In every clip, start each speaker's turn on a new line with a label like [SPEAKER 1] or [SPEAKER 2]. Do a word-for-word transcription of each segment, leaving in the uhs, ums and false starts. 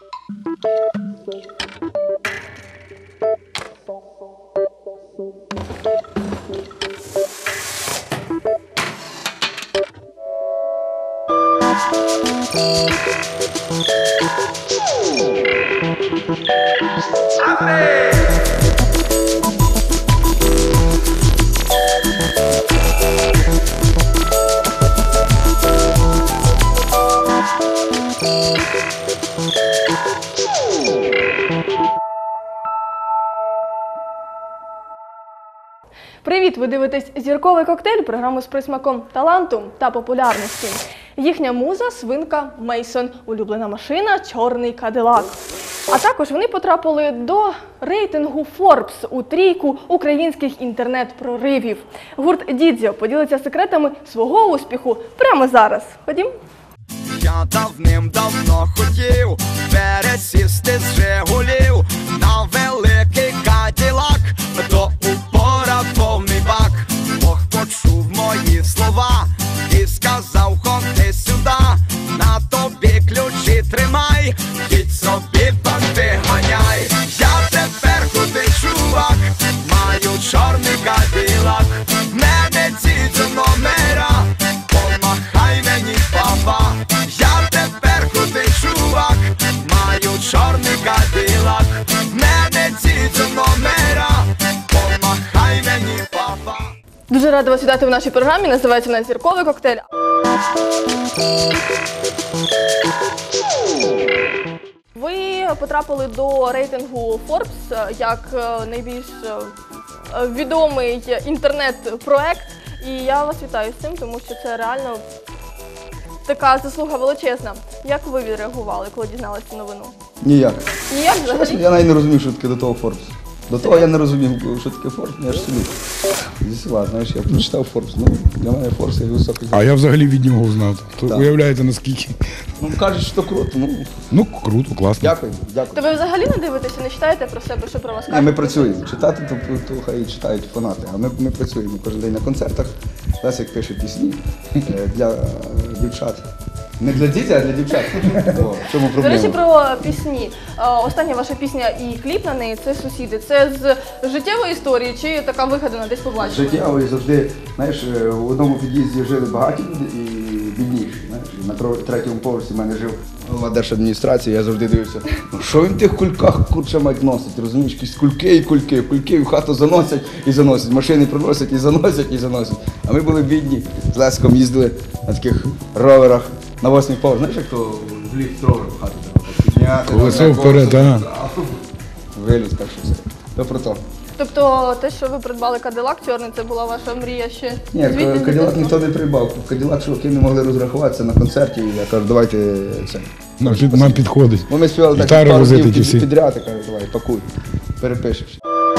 [SPEAKER 1] Привіт! Ви дивитесь «Зірковий коктейль» – програму з присмаком таланту та популярності. Їхня муза – свинка Мейсон, улюблена машина – чорний Кадилак. А також вони потрапили до рейтингу Forbes у трійку українських інтернет-проривів. Гурт Дідзьо поділиться секретами свого успіху прямо зараз. Ходім?
[SPEAKER 2] Я давним-давно хотів пересісти з Жигулів на великий Кадилак, до упора повний бак. Бог почув мої слова і сказав: ходи сюди, на тобі ключі тримай, їдь собі банди ганяй. Я тепер крутий чувак, маю чорний Кадилак, мене ці до номера, помахай мені, папа. Я тепер крутий чувак, маю чорний Кадилак, мене ці до номера, помахай мені, папа.
[SPEAKER 1] Дуже рада вас вітати в нашій програмі. Називається вона «Зірковий коктейль». Ви потрапили до рейтингу Forbes як найбільш відомий інтернет-проект. І я вас вітаю з цим, тому що це реально така заслуга величезна. Як ви відреагували, коли дізналися цю новину?
[SPEAKER 3] Ніяк.
[SPEAKER 1] Ніяк взагалі?
[SPEAKER 3] Я навіть не розумів, що таке до того Forbes. До того я не розумів, що таке Forbes, я ж собі зі села, знаєш, я прочитав Forbes, ну, для мене Forbes є високий.
[SPEAKER 4] А я взагалі від нього знав. То
[SPEAKER 3] Так.
[SPEAKER 4] уявляєте, наскільки?
[SPEAKER 3] Ну, кажуть, що круто, ну,
[SPEAKER 4] Ну, круто, класно.
[SPEAKER 3] дякую, дякую.
[SPEAKER 1] То ви взагалі не дивитеся, не читаєте про себе, що про вас
[SPEAKER 3] Ні,
[SPEAKER 1] кажуть?
[SPEAKER 3] ми працюємо. Читати, то, то хай читають фанати, а ми, ми працюємо кожен день на концертах. Лесик пише пісні е, для е, дівчат. Не для дітей, а для дівчат. О, в чому
[SPEAKER 1] До
[SPEAKER 3] проблема?
[SPEAKER 1] речі, про пісні. Е, Остання ваша пісня і кліп на неї – це «Сусіди». Це з життєвої історії чи така вигадана, десь побачили?
[SPEAKER 3] Життєво і завжди, знаєш, в одному під'їзді жили багаті люди і бідніші. Знаєш, на тро- третьому поверсі в мене жив голова держадміністрації, я завжди дивився, ну що він в тих кульках, курча мать, носить, розумієш, якісь кульки і кульки, кульки в хату заносять і заносять, машини приносять і заносять і заносять. А ми були бідні, з Леском їздили на таких роверах на восьмий поверх, знаєш, як то в ліфт ровер в хату треба так підняти.
[SPEAKER 4] Колесо
[SPEAKER 3] там,
[SPEAKER 4] вперед,
[SPEAKER 3] колесо,
[SPEAKER 4] ага.
[SPEAKER 3] Виліз, так що все. То про то.
[SPEAKER 1] Тобто те, що ви придбали Кадилак чорний, це була ваша мрія ще?
[SPEAKER 3] Ні,
[SPEAKER 1] звідти з
[SPEAKER 3] Кадилак
[SPEAKER 1] дитинства?
[SPEAKER 3] ніхто не придбав. Кадилак чуваки не могли розрахуватися на концерті, я кажу, давайте це.
[SPEAKER 4] Нам, під, нам підходить.
[SPEAKER 3] Бо ми співали так
[SPEAKER 4] Гітари
[SPEAKER 3] пару
[SPEAKER 4] возити
[SPEAKER 3] днів
[SPEAKER 4] ті
[SPEAKER 3] під-
[SPEAKER 4] всі.
[SPEAKER 3] підряд, я кажу, давай, пакуй, перепишеш.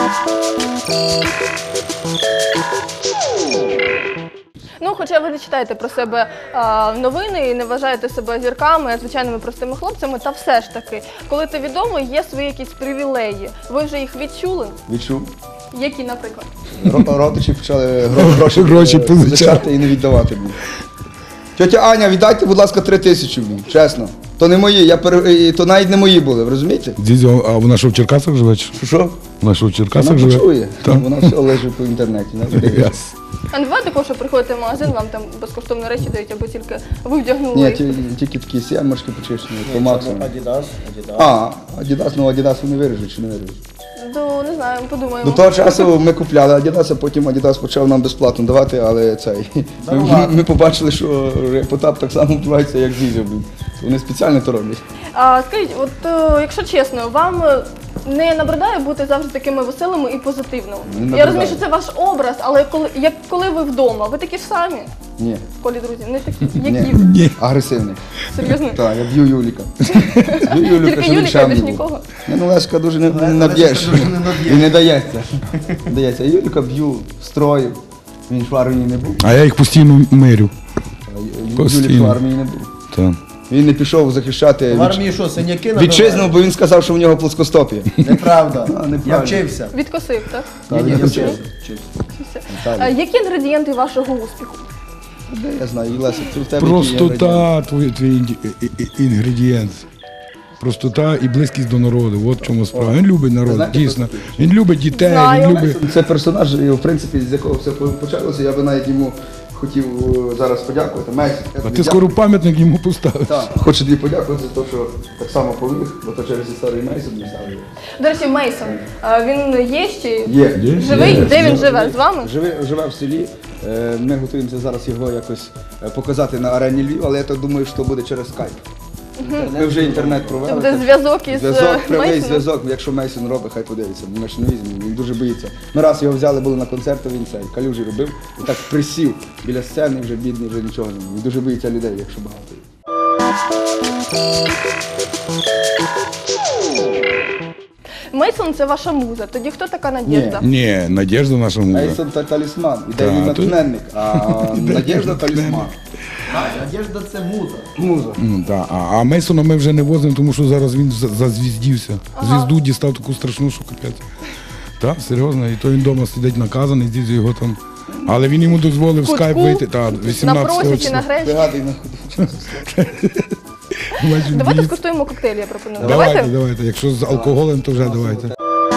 [SPEAKER 1] Ну, хоча ви не читаєте про себе а, новини і не вважаєте себе зірками, а звичайними простими хлопцями, та все ж таки, коли ти відомий, є свої якісь привілеї. Ви вже їх відчули?
[SPEAKER 3] Відчув.
[SPEAKER 1] Які, наприклад?
[SPEAKER 3] Ро- Родичі почали гро- гроші,
[SPEAKER 4] Гроші
[SPEAKER 3] е,
[SPEAKER 4] позичати.
[SPEAKER 3] позичати і не віддавати мені. Тьотя Аня, віддайте, будь ласка, три тисячі мені, чесно. То не мої, я пере... і то навіть не мої були, ви розумієте?
[SPEAKER 4] Дідзьо, а вона що в Черкасах живе? чи?
[SPEAKER 3] Що що?
[SPEAKER 4] Вона що в Черкасах
[SPEAKER 3] Вона
[SPEAKER 4] живе?
[SPEAKER 3] почує,
[SPEAKER 4] Так.
[SPEAKER 3] вона все лежить по інтернеті. знаєш, дивиться.
[SPEAKER 4] Яс.
[SPEAKER 1] А не буває такого, що приходите в магазин, вам там безкоштовні речі дають, або тільки ви вдягнули
[SPEAKER 3] Ні,
[SPEAKER 1] їх?
[SPEAKER 3] ті- тільки такі сімочки почищені, по максимуму.
[SPEAKER 5] Адідас, Адідас.
[SPEAKER 3] А, Адідас, ну Адідас вони виріжуть чи не виріжуть?
[SPEAKER 1] Ну, не знаю, подумаємо.
[SPEAKER 3] До того часу ми купляли Адідас, а потім Адідас почав нам безплатно давати, але цей. Ми, ми, ми побачили, що Потап так само вбивається, як Дідзьо, блін. Вони спеціально то роблять.
[SPEAKER 1] А скажіть, от е, якщо чесно, вам е, не набридає бути завжди такими веселими і позитивними?
[SPEAKER 3] Не
[SPEAKER 1] Я
[SPEAKER 3] набридає.
[SPEAKER 1] розумію, що це ваш образ, але коли, як коли ви вдома, ви такі ж самі
[SPEAKER 3] Ні.
[SPEAKER 1] в колі друзів, не такі, які
[SPEAKER 3] Ні.
[SPEAKER 1] ви?
[SPEAKER 4] Ні.
[SPEAKER 3] Агресивний.
[SPEAKER 1] Серйозно?
[SPEAKER 3] Так, я б'ю Юліка. Б'ю Юліка,
[SPEAKER 1] Тільки
[SPEAKER 3] щоб він
[SPEAKER 1] Юліка,
[SPEAKER 3] ще
[SPEAKER 1] більш
[SPEAKER 3] був.
[SPEAKER 1] нікого?
[SPEAKER 3] Ні, ну Леська дуже не, не наб'єш.
[SPEAKER 5] дуже не наб'єш.
[SPEAKER 3] І не дається. Не дається. А Юліка б'ю, строю. Він ж в армії не був.
[SPEAKER 4] А я їх постійно мирю.
[SPEAKER 3] А Ю- Юлік
[SPEAKER 4] Постійно.
[SPEAKER 3] в армії не був.
[SPEAKER 4] Так.
[SPEAKER 3] Він не пішов захищати
[SPEAKER 5] В
[SPEAKER 3] вітч-
[SPEAKER 5] армії що, синяки набивають?
[SPEAKER 3] вітчизну, бо він сказав, що в нього плоскостопія.
[SPEAKER 5] Неправда.
[SPEAKER 3] А, неправда.
[SPEAKER 5] Я вчився.
[SPEAKER 1] Відкосив, так?
[SPEAKER 3] Так,
[SPEAKER 5] Ні,
[SPEAKER 3] я
[SPEAKER 5] я
[SPEAKER 3] вчився.
[SPEAKER 5] вчився.
[SPEAKER 1] Все.
[SPEAKER 3] Так.
[SPEAKER 1] А які інгредієнти вашого успіху?
[SPEAKER 3] Де я знаю, і Лесик, це в тебе які
[SPEAKER 4] Простота
[SPEAKER 3] інгредієнти?
[SPEAKER 4] твій, твій інді- і- і- інгредієнт. простота і близькість до народу. От в чому справа. Він любить народ,
[SPEAKER 3] знаєте,
[SPEAKER 4] дійсно. Він любить дітей,
[SPEAKER 1] Знаю.
[SPEAKER 4] він любить.
[SPEAKER 3] Це персонаж, і, в принципі, з якого все почалося. Я би навіть йому хотів е, зараз подякувати. Мейсон, я
[SPEAKER 4] А
[SPEAKER 3] тобі
[SPEAKER 4] ти скоро пам'ятник йому поставиш.
[SPEAKER 3] Так, хочу тобі подякувати за те, що так само поміг, бо то через історію Мейсон не ставив.
[SPEAKER 1] До речі, Мейсон, а він є ще?
[SPEAKER 3] Є.
[SPEAKER 4] Є?
[SPEAKER 1] Живий?
[SPEAKER 4] Є.
[SPEAKER 1] Де він живе? З вами?
[SPEAKER 3] Живе, живе в селі. Е, Ми готуємося зараз його якось е, показати на арені Львів, але я так думаю, що буде через скайп. Ми вже інтернет провели.
[SPEAKER 1] Це буде зв'язок із
[SPEAKER 3] Зв'язок, прямий
[SPEAKER 1] Мейсоном?
[SPEAKER 3] зв'язок, якщо Мейсон робить, хай подивиться. Ми ж не візьмемо, він дуже боїться. Ми раз його взяли, були на концерті, він цей калюжі робив і так присів біля сцени, вже бідний, вже нічого не має. Він дуже боїться людей, якщо багато.
[SPEAKER 1] Мейсон – це ваша муза. Тоді хто така Надєжда?
[SPEAKER 4] Ні, Надєжда наша муза.
[SPEAKER 3] Мейсон та талісман, ідейний
[SPEAKER 4] Так, то-
[SPEAKER 3] натхненник, а Надєжда талісман.
[SPEAKER 5] Надежда це муза.
[SPEAKER 3] Муза.
[SPEAKER 4] Ну, да. а, а Мейсона ми вже не возимо, тому що зараз він за- зазвіздівся. Звізду дістав таку страшну, що капець. Так, серйозно, і то він вдома сидить наказаний, дідзю його там. Але він йому дозволив в
[SPEAKER 1] Кутку?
[SPEAKER 4] скайп вийти. Так,
[SPEAKER 1] На
[SPEAKER 4] вісімнадцятого
[SPEAKER 1] просіці, на
[SPEAKER 4] числа.
[SPEAKER 1] гречі.
[SPEAKER 3] Пригадуй на ходу.
[SPEAKER 4] Бачиш,
[SPEAKER 1] Давайте
[SPEAKER 4] дід.
[SPEAKER 1] скуштуємо коктейль, я пропоную.
[SPEAKER 4] Давайте,
[SPEAKER 1] Давайте?
[SPEAKER 4] давайте. Якщо з алкоголем, то вже давайте.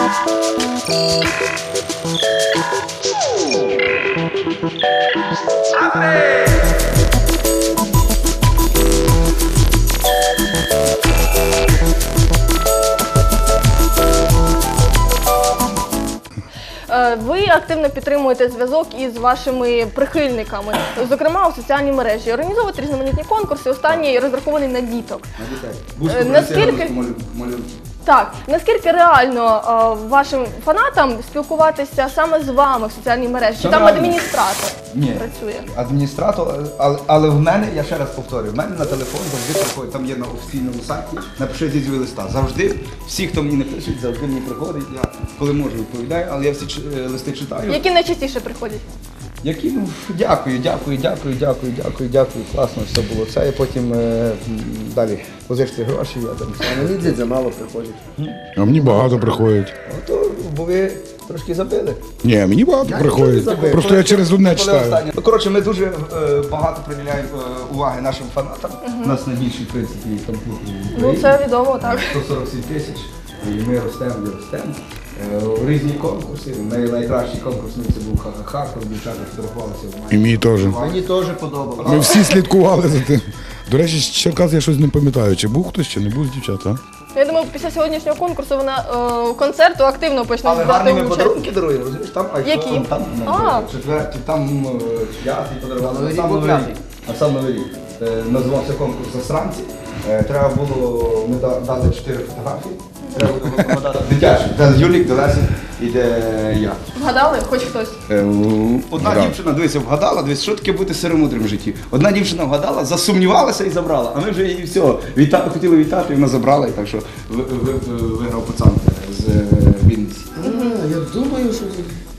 [SPEAKER 1] Е, Ви активно підтримуєте зв'язок із вашими прихильниками, зокрема у соціальній мережі. Організовуєте різноманітні конкурси, останній розрахований на діток.
[SPEAKER 3] На дітей. Бузьку
[SPEAKER 1] Е, наскільки-
[SPEAKER 3] принеси, малю- малюнки.
[SPEAKER 1] Так, наскільки реально е, вашим фанатам спілкуватися саме з вами в соціальній мережі? Чи
[SPEAKER 3] Це
[SPEAKER 1] там
[SPEAKER 3] реально.
[SPEAKER 1] адміністратор
[SPEAKER 3] Ні.
[SPEAKER 1] працює?
[SPEAKER 3] Адміністратор, але, але в мене, я ще раз повторюю, в мене на телефон завжди приходить, там є на офіційному сайті, напиши дідзьові листа. Завжди, всі, хто мені не пишуть, завжди мені приходить, я коли можу відповідаю, але я всі ч- е, листи читаю.
[SPEAKER 1] Які найчастіше приходять?
[SPEAKER 3] Які, ну, дякую, дякую, дякую, дякую, дякую, дякую, класно все було це, і потім е, м, далі позичте гроші, я там все.
[SPEAKER 5] Мені дідзя мало приходять.
[SPEAKER 4] А мені багато приходять.
[SPEAKER 3] Ото, бо ви трошки забили.
[SPEAKER 4] Ні, мені багато приходять.
[SPEAKER 3] Забили.
[SPEAKER 4] Просто
[SPEAKER 3] Коли-
[SPEAKER 4] я через одне
[SPEAKER 3] коли
[SPEAKER 4] читаю.
[SPEAKER 3] останнє. Ну, коротше, ми дуже е, багато приділяємо е, уваги нашим фанатам. У нас найбільший, в принципі, комп'ютер в
[SPEAKER 1] Ну
[SPEAKER 3] Україні.
[SPEAKER 1] це відомо, так.
[SPEAKER 3] сто сорок сім тисяч, і ми ростемо і ростемо. Е, Різні конкурси. Най- Найкращий конкурс ну, це був ха-ха-ха, коли дівчата фотографувалися в
[SPEAKER 4] І мені теж.
[SPEAKER 5] Мені теж подобалося.
[SPEAKER 4] Ми всі слідкували за тим. До речі, з Черкас я щось не пам'ятаю. Чи був хтось, чи не був з дівчат, а?
[SPEAKER 1] Я думаю, після сьогоднішнього конкурсу вона е, концерту активно почне
[SPEAKER 3] Але
[SPEAKER 1] брати
[SPEAKER 3] гарні ми
[SPEAKER 1] участь.
[SPEAKER 3] подарунки даруємо, розумієш? Там айфон,
[SPEAKER 1] Які?
[SPEAKER 3] там
[SPEAKER 1] А.
[SPEAKER 3] ну, четвертий, там е, п'ятий подарували.
[SPEAKER 5] Новий
[SPEAKER 3] На
[SPEAKER 5] рік
[SPEAKER 3] сам
[SPEAKER 5] був
[SPEAKER 3] Новий
[SPEAKER 5] п'ятий.
[SPEAKER 3] рік. На сам Новий рік. Е, Називався конкурс «Засранці». Е, Треба було, ми да- дали чотири фотографії. Треба було подати дитячі. Де Юлік, де Лесик і де я.
[SPEAKER 1] Вгадали? Хоч хтось.
[SPEAKER 3] Е, Одна
[SPEAKER 4] Вгадав.
[SPEAKER 3] дівчина, дивися, вгадала, дивись, що таке бути сиромудрим в житті. Одна дівчина вгадала, засумнівалася і забрала, а ми вже її все, віта, хотіли вітати, і вона забрала, і так що ви- ви- ви- виграв пацан з е, Вінниці.
[SPEAKER 5] А, я думаю, що,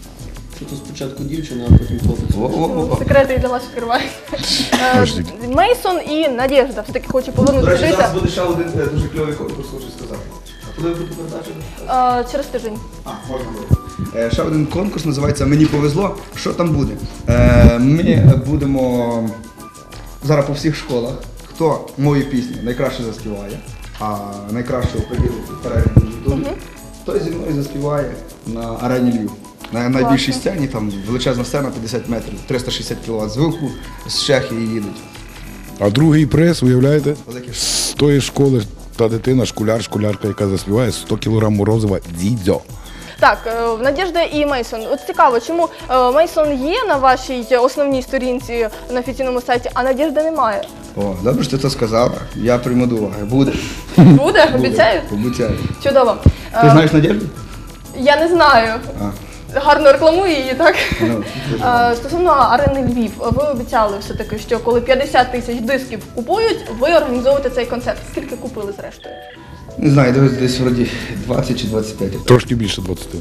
[SPEAKER 5] що то спочатку дівчина, а потім хлопець.
[SPEAKER 3] О-о-о.
[SPEAKER 1] Секрети і для вас відкриваю. Е, Мейсон і Надєжда все-таки хочу
[SPEAKER 3] До
[SPEAKER 1] повернути.
[SPEAKER 3] речі,
[SPEAKER 1] Дивіться,
[SPEAKER 3] зараз буде ще один е, дуже кльовий конкурс, хочу сказати. А коли ви будете передача?
[SPEAKER 1] е, через тиждень.
[SPEAKER 3] А, можна буде. Е, Ще один конкурс називається «Мені повезло». Що там буде? Е, Ми будемо зараз по всіх школах, хто мою пісню найкраще заспіває, а найкраще оприділити перегляд на Ютубі, той зі мною заспіває на арені Львів. На найбільшій сцені, там величезна сцена, п'ятдесят метрів, триста шістдесят кіловат звуку, з Чехії їдуть.
[SPEAKER 4] А другий приз, уявляєте?
[SPEAKER 3] Велике
[SPEAKER 4] З тої школи та дитина, школяр, школярка, яка заспіває сто кілограм морозива дідзьо.
[SPEAKER 1] Так, е, Надєжда і Мейсон. От цікаво, чому е, Мейсон є на вашій основній сторінці на офіційному сайті, а Надєжди немає?
[SPEAKER 3] О, добре, що ти це сказала. Я прийму до уваги. Буде.
[SPEAKER 1] Буде? Обіцяю?
[SPEAKER 3] Обіцяю.
[SPEAKER 1] Чудово.
[SPEAKER 3] Ти
[SPEAKER 1] Е,
[SPEAKER 3] знаєш Надєжду?
[SPEAKER 1] Я не знаю.
[SPEAKER 3] А.
[SPEAKER 1] Гарно рекламую її, так?
[SPEAKER 3] Ну, дуже
[SPEAKER 1] Е, Стосовно арени Львів, ви обіцяли все-таки, що коли п'ятдесят тисяч дисків купують, ви організовуєте цей концерт. Скільки купили зрештою?
[SPEAKER 3] Не знаю, дивись, десь вроді двадцять чи двадцять п'ять.
[SPEAKER 4] Трошки більше двадцяти.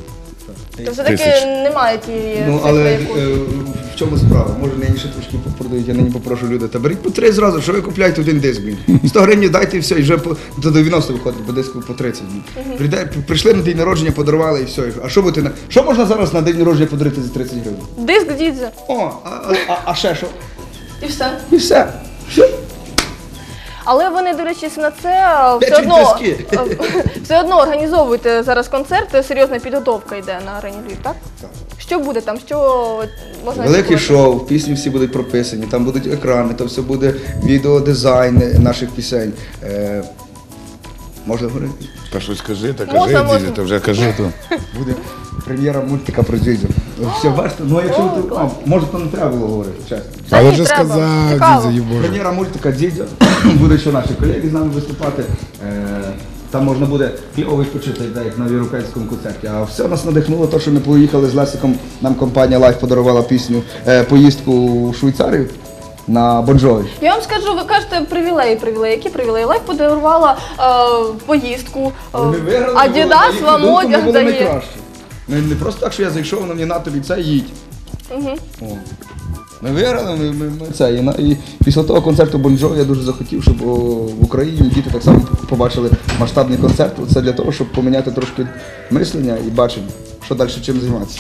[SPEAKER 1] То все-таки
[SPEAKER 4] Тисяч.
[SPEAKER 1] немає тієї
[SPEAKER 3] Ну,
[SPEAKER 1] цифри,
[SPEAKER 3] але
[SPEAKER 1] яку-
[SPEAKER 3] е, в чому справа? Може, нині ще трошки продають, я нині попрошу людей. Та беріть по три зразу, що ви купляєте один диск, блін. сто гривень дайте і все, і вже по, до дев'яносто виходить, по диску по тридцять. Блін. Прийде, прийшли на день народження, подарували і все. А що будете на... Що можна зараз на день народження подарити за тридцять гривень?
[SPEAKER 1] Диск дідзе.
[SPEAKER 3] О, а, а, а, а ще що?
[SPEAKER 1] І все.
[SPEAKER 3] І все. Все.
[SPEAKER 1] Але ви, не дивлячись на це, все
[SPEAKER 3] Печуть
[SPEAKER 1] одно,
[SPEAKER 3] піски.
[SPEAKER 1] все одно організовуєте зараз концерт, серйозна підготовка йде на арені Львів, так?
[SPEAKER 3] Так.
[SPEAKER 1] Що буде там? Що можна
[SPEAKER 3] Великий
[SPEAKER 1] очікувати?
[SPEAKER 3] шоу, пісні всі будуть прописані, там будуть екрани, то все буде відеодизайн наших пісень. Е, можна говорити?
[SPEAKER 4] Та щось скажи, та
[SPEAKER 1] Можна,
[SPEAKER 4] кажи,
[SPEAKER 1] можна.
[SPEAKER 4] дідю, та вже кажи то.
[SPEAKER 3] Буде прем'єра мультика про Дзідзю. Все, бачите, ну якщо
[SPEAKER 1] О,
[SPEAKER 3] ви,
[SPEAKER 1] клас.
[SPEAKER 3] а, може, то не треба було говорити, чесно.
[SPEAKER 1] Та
[SPEAKER 4] Але
[SPEAKER 1] ні,
[SPEAKER 4] вже
[SPEAKER 1] треба.
[SPEAKER 4] сказав,
[SPEAKER 1] Цікаво.
[SPEAKER 4] дідю, Боже.
[SPEAKER 3] Прем'єра мультика Дзідзя, буде ще наші колеги з нами виступати. Е, Там можна буде кльово відпочити, де, як на європейському концерті. А все нас надихнуло, те, що ми поїхали з Лесиком, нам компанія Life подарувала пісню, е, поїздку у Швейцарію на Бонжові.
[SPEAKER 1] Я вам скажу, ви кажете привілеї, привілеї. Які привілеї? Лайф подарувала е, поїздку, е, Адідас вам одяг дає.
[SPEAKER 3] Не, не просто так, що я зайшов, воно мені на тобі це їдь.
[SPEAKER 1] Угу.
[SPEAKER 3] О. Ми виграли, ми, ми, ми це. І, на- і після того концерту Бонжо я дуже захотів, щоб о, в Україні діти так само побачили масштабний концерт. Це для того, щоб поміняти трошки мислення і бачення, що далі чим займатися.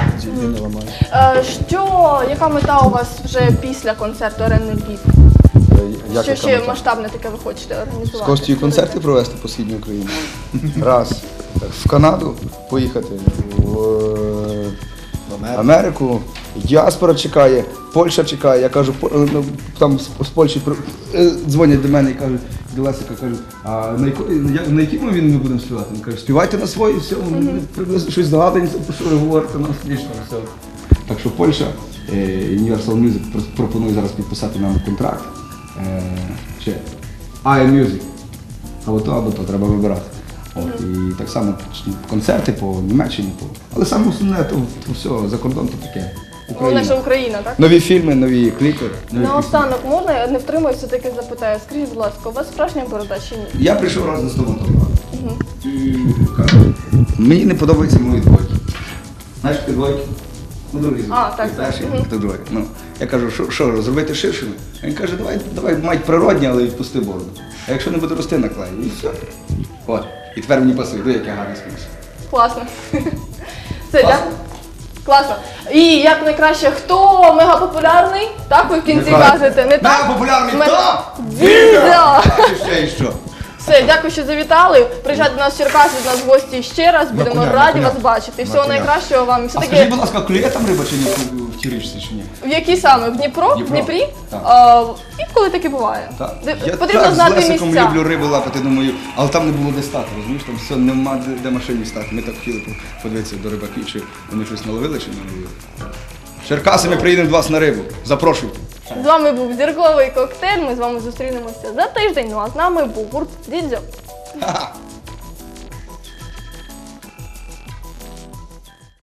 [SPEAKER 1] Е, що, яка мета у вас вже після концерту арени Львів?
[SPEAKER 3] Як
[SPEAKER 1] Що
[SPEAKER 3] яка
[SPEAKER 1] ще
[SPEAKER 3] мета?
[SPEAKER 1] масштабне таке ви хочете
[SPEAKER 3] З
[SPEAKER 1] організувати?
[SPEAKER 3] Костю концерти провести по східній Україні. Раз. В Канаду поїхати, в е, Америку. Діаспора чекає, Польща чекає. Я кажу, по- ну, там з, з Польщі при- е, дзвонять до мене і кажуть, до Лесика кажуть, а на, яко, я- на якій мові ми будемо співати? Він каже, співайте на своїй, все, ми приблизно щось здогадуємося, про що ви говорите, нам смішно, все. Так що Польща, е, Universal Music про- пропонує зараз підписати нам контракт. Е, ще ай ем Music. Або то, або то, треба вибирати. От, і так само концерти по Німеччині. По... Але саме основне, то, то все, за кордон то таке.
[SPEAKER 1] Головне, що
[SPEAKER 3] Україна.
[SPEAKER 1] Україна, так?
[SPEAKER 3] Нові фільми, нові кліпи. Нові
[SPEAKER 1] Наостанок можна, я не втримуюсь, все-таки запитаю. Скажіть, будь ласка, у вас справжня борода чи ні?
[SPEAKER 3] пісні. Я прийшов раз до стоматолога. І кажу, мені не подобаються мої двойки. Знаєш, ти двойки? Ну, другий звук.
[SPEAKER 1] А, так,
[SPEAKER 3] Знаєш,
[SPEAKER 1] так.
[SPEAKER 3] як ти двойки. Ну, я кажу, що, що зробити ширшими? А він каже, давай, давай мать природні, але відпусти бороду. А якщо не буде рости, наклею. І все. От. І тепер мені пасує, диви, як я гарно співся.
[SPEAKER 1] Класно. Все, так? Класно. І як найкраще, хто мегапопулярний? Так, ви в кінці
[SPEAKER 3] Неправильно.
[SPEAKER 1] кажете, не так?
[SPEAKER 3] Мегапопулярний
[SPEAKER 1] Ме-
[SPEAKER 3] хто?
[SPEAKER 1] Дідо!
[SPEAKER 3] Чи ще і що?
[SPEAKER 1] Все, дякую, що завітали. Приїжджайте до нас в Черкаси, до нас в гості ще раз. Будемо
[SPEAKER 3] коня, на
[SPEAKER 1] раді
[SPEAKER 3] коня.
[SPEAKER 1] вас бачити.
[SPEAKER 3] На
[SPEAKER 1] Всього
[SPEAKER 3] коня.
[SPEAKER 1] найкращого вам. І
[SPEAKER 3] А
[SPEAKER 1] все-таки,
[SPEAKER 3] скажіть, будь ласка, клює там риба чи ні в- в тій річці, чи ні?
[SPEAKER 1] в якій саме? В Дніпро? В
[SPEAKER 3] Дніпро.
[SPEAKER 1] Дніпрі?
[SPEAKER 3] Так.
[SPEAKER 1] А, інколи таке буває.
[SPEAKER 3] Так.
[SPEAKER 1] Де-
[SPEAKER 3] Я
[SPEAKER 1] Потрібно
[SPEAKER 3] так
[SPEAKER 1] знати
[SPEAKER 3] з Лесиком
[SPEAKER 1] місця.
[SPEAKER 3] люблю рибу лапати, думаю, але там не було де стати, розумієш, там все, нема де, де машині стати. Ми так хотіли по- подивитися до рибаків, чи вони щось наловили, чи не наловили. Черкаси, ми приїдемо до вас на рибу. Запрошуйте.
[SPEAKER 1] З вами був зірковий коктейль. Ми з вами зустрінемося за тиждень. Ну а з нами був гурт Дідзьо.
[SPEAKER 3] Ха-ха.